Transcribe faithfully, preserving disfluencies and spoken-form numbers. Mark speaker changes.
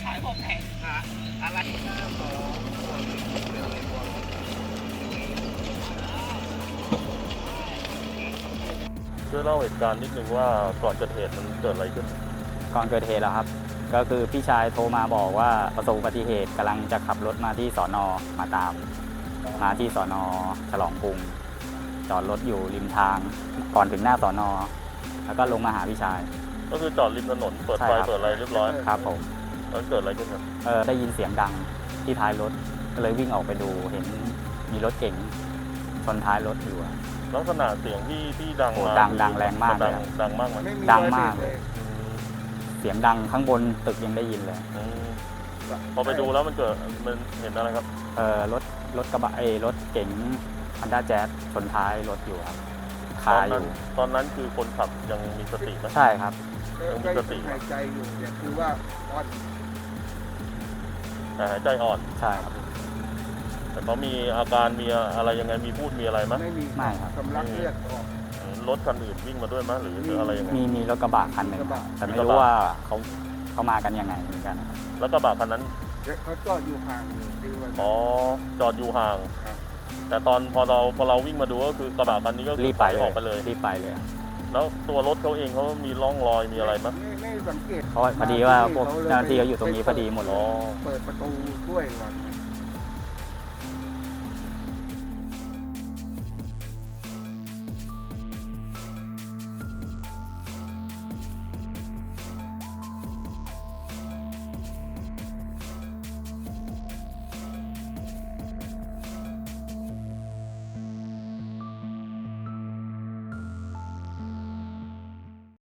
Speaker 1: ชายบอกแทงหาอะไร
Speaker 2: ช่วยเล่าเหตุการณ์นิดนึงว่าก่อนเกิดเหตุมันเกิดอะไรขึ้น
Speaker 3: ก่อนเกิดเหตุแล้วครับก็คือพี่ชายโทรมาบอกว่าประสบอุบัติเหตุกำลังจะขับรถมาที่สอนอมาตามมาที่สอนอฉลองกรุงจอดรถอยู่ริมทางก่อนถึงหน้าสอนอแล้วก็ลงมาหาพี่ชาย
Speaker 2: ก็คือจอดริมถนนเปิดไฟเปิดอะไรเรียบร้อย
Speaker 3: ครับผม
Speaker 2: แล้วเกิดอะไรขึ้นครับ
Speaker 3: เออได้ยินเสียงดังที่ท้ายรถก็เลยวิ่งออกไปดูเห็นมีรถเก๋งชนท้ายรถอยู่
Speaker 2: ลักษณะเสียงที่ที่ดังมา
Speaker 3: ดังดังแรงมากเลย
Speaker 2: ดังมากไหม
Speaker 3: ดังมากเลยเสียงดังข้างบนตึกยังได้ยินเลย
Speaker 2: พอไปดูแล้วมันเกิดมันเห็นอะไรครับ
Speaker 3: เออรถรถกระบะไอ้รถเก๋งฮันด้าแจ๊สชนท้ายรถอยู่ครับคาอยู่
Speaker 2: ตอนนั้นคือคนขับยังมีสติไหม
Speaker 3: ใช่ครับ
Speaker 2: ยังมีสติ
Speaker 1: หายใจอยู่เนี่ยคือว่าอ่อน
Speaker 2: หายใจอ่อน
Speaker 3: ใช่ครับ
Speaker 2: แต่เขามีอาการมีอะไรยังไงมีพูดมีอะไรไหม
Speaker 1: ไม่มี
Speaker 3: ไม่ครับ
Speaker 1: สำลักเลือดออก
Speaker 2: รถคันอื่นวิ่งมาด้วยไหมหรืออะไรยังไง
Speaker 3: มีมีรถกระบะคันหนึ่งแต่ไม่รู้ว่าเขาเขามากันยังไงเหมือนกัน
Speaker 2: แล้วกระบะคันนั้น
Speaker 1: เขาจอดอยู่ห่าง
Speaker 2: อ๋อจอดอยู่ห่างแต่ตอนพอเราพอเราวิ่งมาดูก็คือกระบะคันนี้ก็
Speaker 3: รีบไป
Speaker 2: ออกไปเลย
Speaker 3: รีบไปเลย
Speaker 2: แล้วตัวรถเขาเองเขามีร่องรอยมีอะไรไหม
Speaker 1: ไม่สังเกต
Speaker 3: เพราะพอดีว่าพวกเจ้าหน้าที่เขาอยู่ตรงนี้พอดีหมดเลย
Speaker 1: เปิดประตูด้วยก่อน